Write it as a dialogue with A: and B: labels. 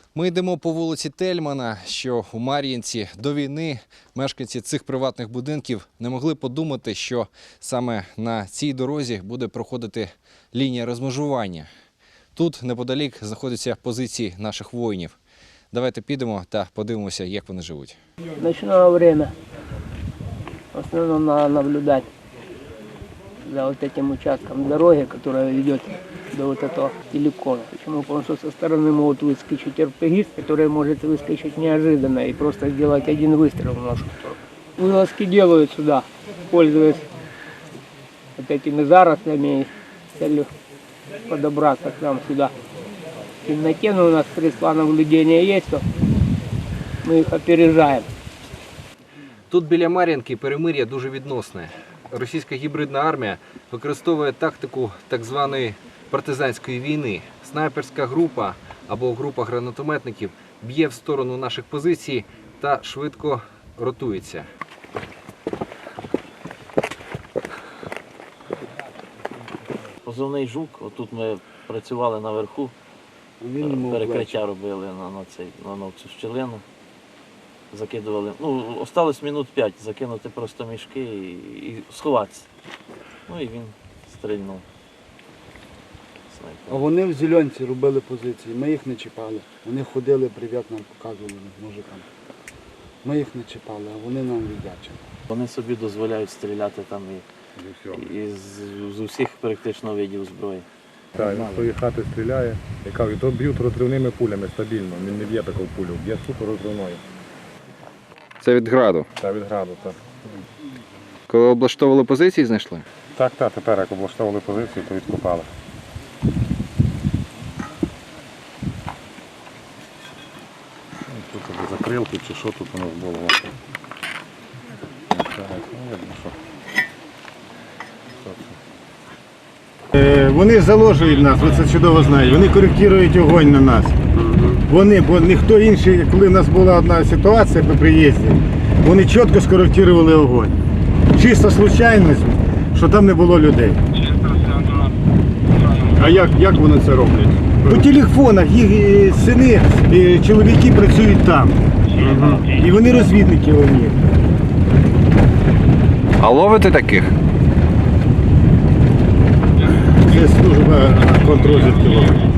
A: Ми йдемо по вулиці Тельмана, що у Мар'їнці. До війни мешканці цих приватних будинків не могли подумати, що саме на цій дорозі буде проходити лінія розмежування. Тут неподалік знаходяться позиції наших воїнів. Давайте підемо та подивимося, як вони живуть.
B: Ночное время. В основном надо наблюдать за вот этим участком дороги, которая ведет до вот этого телекона. Почему? Потому что со стороны могут выскочить РПГист, который может выскочить неожиданно и просто сделать один выстрел в нашу сторону. Вылазки делают сюда, пользуясь вот этими зарослями с целью подобраться к нам сюда. В темноте, но у нас средства наблюдения есть, то мы их опережаем.
A: Тут біля Мар'їнки перемир'я дуже відносне. Російська гібридна армія використовує тактику так званої партизанської війни. Снайперська група або група гранатометників б'є в сторону наших позицій та швидко ротується.
C: Позивний «Жук», отут ми працювали наверху, перекриття робили на цю щілину, закидували. Ну, осталось минут 5, закинути просто мішки і сховатися. Ну і він стрільнув.
D: А вони в зеленці робили позиції, ми їх не чіпали. Вони ходили, привіт нам показували мужикам. Ми їх не чіпали, а вони нам віддячили.
C: Вони собі дозволяють стріляти там і з усіх практично видів зброї.
E: Так, він з тої хати стріляє. Я кажу, то б'ють розривними пулями стабільно, він не б'є таку пулю, б'є супер розривною.
A: Це від граду.
E: Та від граду, так.
A: Коли облаштовували позиції, знайшли?
E: Так, тепер як облаштовували позицію, то відкопали. Тут або закрилки чи що тут у нас було.
F: Вони заложують нас, ви це чудово знаєте, вони коректують огонь на нас. Вони, бо ніхто інший, коли в нас була одна ситуація по приїзді, вони чітко скоректували огонь. Чисто случайність, що там не було людей.
E: А як вони це роблять?
F: По телефонах їх сини, чоловіки працюють там. І вони розвідники у них.
A: А ловите таких?
F: Це служба контррозвідки ловить.